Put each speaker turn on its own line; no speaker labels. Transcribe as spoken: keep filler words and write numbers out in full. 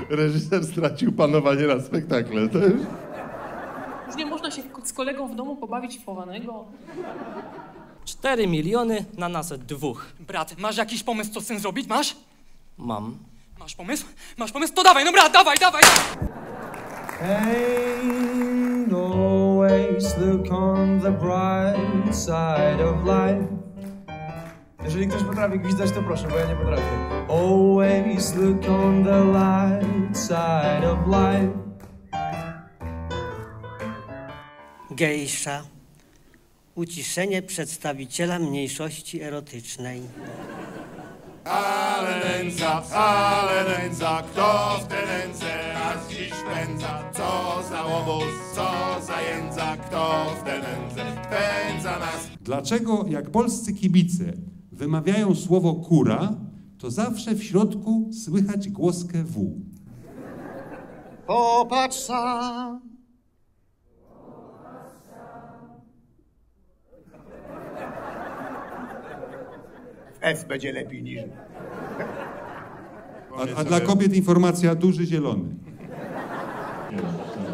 reżyser stracił panowanie nad spektaklem. To już...
Już nie można się z kolegą w domu pobawić w chowanego.
Cztery miliony na nas dwóch.
Brat, masz jakiś pomysł, co z tym zrobić? Masz?
Mam.
Masz pomysł? Masz pomysł? To dawaj, no brat, dawaj, dawaj!
And always look on the bright side of life. Jeżeli ktoś potrafi gwizdać, to proszę, bo ja nie potrafię. Always look on the light side of life.
Gejsza. Uciszenie przedstawiciela mniejszości erotycznej.
Ale nędza, ale nędza, kto w te ręce nas dziś pędza? Co za łobuz, co za jędza, kto w te ręce pędza nas?
Dlaczego jak polscy kibice wymawiają słowo kura, to zawsze w środku słychać głoskę W?
Popatrz sam. W F będzie lepiej niż...
A, a dla kobiet informacja duży zielony.
Jeszcze.